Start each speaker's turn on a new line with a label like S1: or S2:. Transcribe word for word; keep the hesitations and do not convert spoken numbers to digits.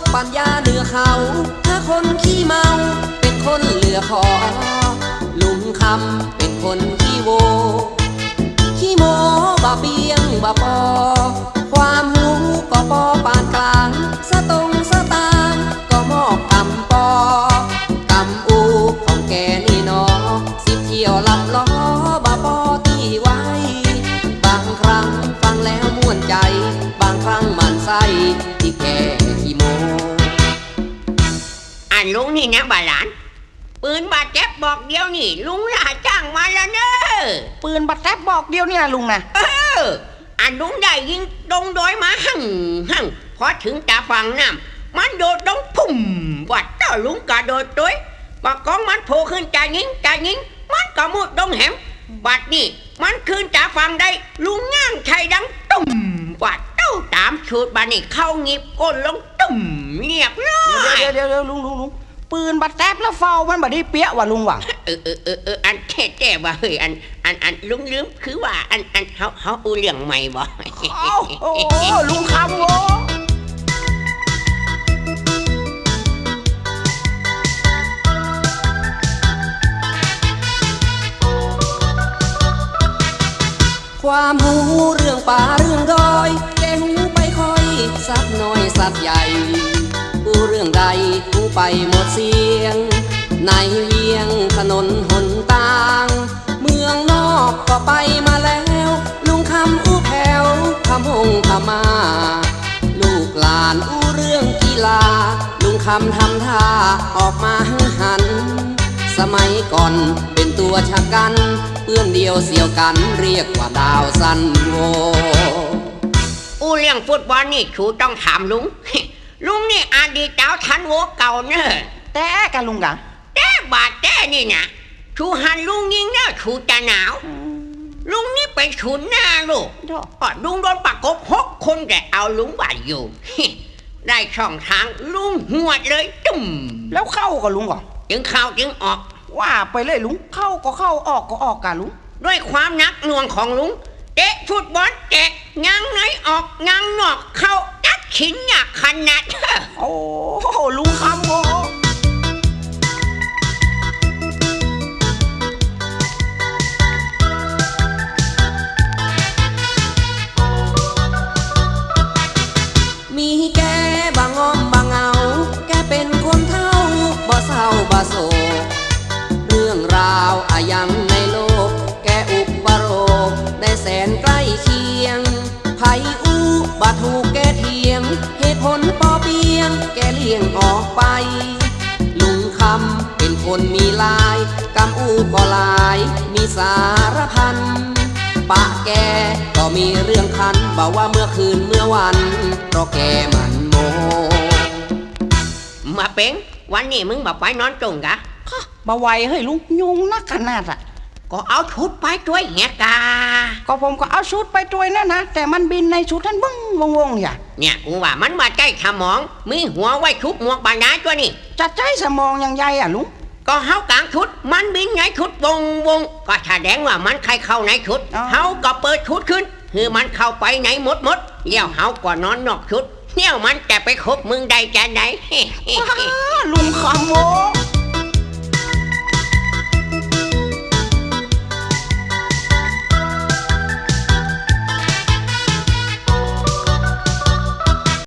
S1: ปัญญาเหนือเขาถ้าคนขี้เมาเป็นคนเหลือขอลุงคำเป็นคนขี้โวขี้โมบาเบียงบาปอความหูก็ปอปานกลางสตงสตางก็มอกกำปอกำอูของแกนี่นอสิบเที่ยวลับล้อบาปอที่ไว้บางครั้งฟังแล้วม่วนใจบางครั้งมันไส้ที่แกขี้โม
S2: อันลุงนี่นะบาหลานปืนบาดเจ็บบอกเดียวนี่ลุงล่าจ้างมาแล้วเนอะ
S3: ปืนบาดเจ็บบอกเดียวนี่นะลุงนะ
S2: เอออันลุงได้ยิงดงดอยมาหั่งหั่งพอถึงตาฝั่งน้ำมันโดดดงพุ่มวัดเจ้าลุงกระโดดด้วยปากกองมันโผล่ขึ้นจ่ายิงจ่ายิงมันก็มุดดงแหมบัดนี่มันคืนจ่าฝั่งได้ลุงง่างไทยดังตุ่มวัดเจ้าตามชุดบัดนี่เข้างีบก้นลงตุ่มเงียบเลย
S3: เดี๋ยวเดี๋ยวเดี๋ยวลุงลุงลุงปืนบาดเจ็บแล้วเฝ้ามันบาดได้เปี้ยว่ะลุงว่ะ
S2: เออเออเออเอออันแท้แท้ว่าเฮ้ยอันอันอันลุงลืมคือว่าอันอันเขาเขาอูเรื่องใหม่บ่
S3: โอ้ลุงคำโว
S1: ความหูเรื่องป่าเรื่องดอยแกหูไปคอยสักน้อยสักใหญ่หูเรื่องใดหูไปหมดเสียงในเวียงถนนหนตางเมืองนอกก็ไปมาแล้วลุงคำอู้แผ่วคำหงคำมาลูกหลานอู้เรื่องกีฬาลุงคำทำท่าออกมาหันสมัยก่อนเป็นตัวชะกันเพื่อนเดียวเสี่ยวกันเรียกว่าดาวซันโว
S2: อู้เรื่องฟุตบอลนี่ชูต้องถามลุงลุงนี่อดีตเจ้าทันโวเก่าเนอะ
S3: แต่กันลุงกัน
S2: แต่บาดแต่นี่นะชูหันลุงยิงเนอะชูจะหนาวลุงนี่ไปฉุนหน้าลูกลุงโดนประกบหกคนแต่เอาลุงบาดอยู่ได้ช่องทางลุงหัวเลยจุ่ม
S3: แล้วเข้ากับลุงก่อน
S2: จึงเข้าจึงออก
S3: ว่าไปเลยลุงเข้าก็เข้าออกก็ออกกันลุง
S2: ด้วยความนักหน่วงของลุงเตะฟุตบอลเตะงังไหนออกงังนอกเข้าตัดขินหนักขนาด
S3: โอ้ลุงคำโว
S1: มีแกบางอ้อมบางเอาแกเป็นคนเท่าบ่เศร้าบ่โศกเรื่องราวอายังในโลกแกอุปโรคได้แสนใกล้เคียงไผอู้บาถูกแกเทียงเหตุผลปอเปียงแกเลี่ยงออกไปลุงคำเป็นคนมีลายกำอู้ก็ลายมีสารพันปะแกก็มีเรื่องคันบอกว่าเมื่อคืนเมื่อวันเพราะแกมันโม
S2: มาเป็งวันนี้มึงบอกไปนอนจงกะ
S3: มาไวเฮ้ยลุงยุงนักขนาดอ่ะ
S2: ก็เอาชุดไปด้วยเงี้ยกา
S3: ก็ผมก็เอาชุดไปด้วยนั่นนะแต่มันบินในชุดท่านบึ้งวงวงอย่า
S2: เนี่ยกูว่ามันมาใจสมองมีหัวไว้ชุบหมวกบางนาตัวนี่
S3: จะใจสมองยังไงอ่ะลุง
S2: ก็เฮากลางชุดมันบินไงชุดวงวงก็แสดงว่ามันใครเข้าในชุดเฮาก็เปิดชุดขึ้นคือมันเข้าไปไหนหมดหมดเลี้ยวเฮาก็นอนนอกชุดเนี่ยมันจะไปคบมึงได้จะไหน
S3: ลุงคำโว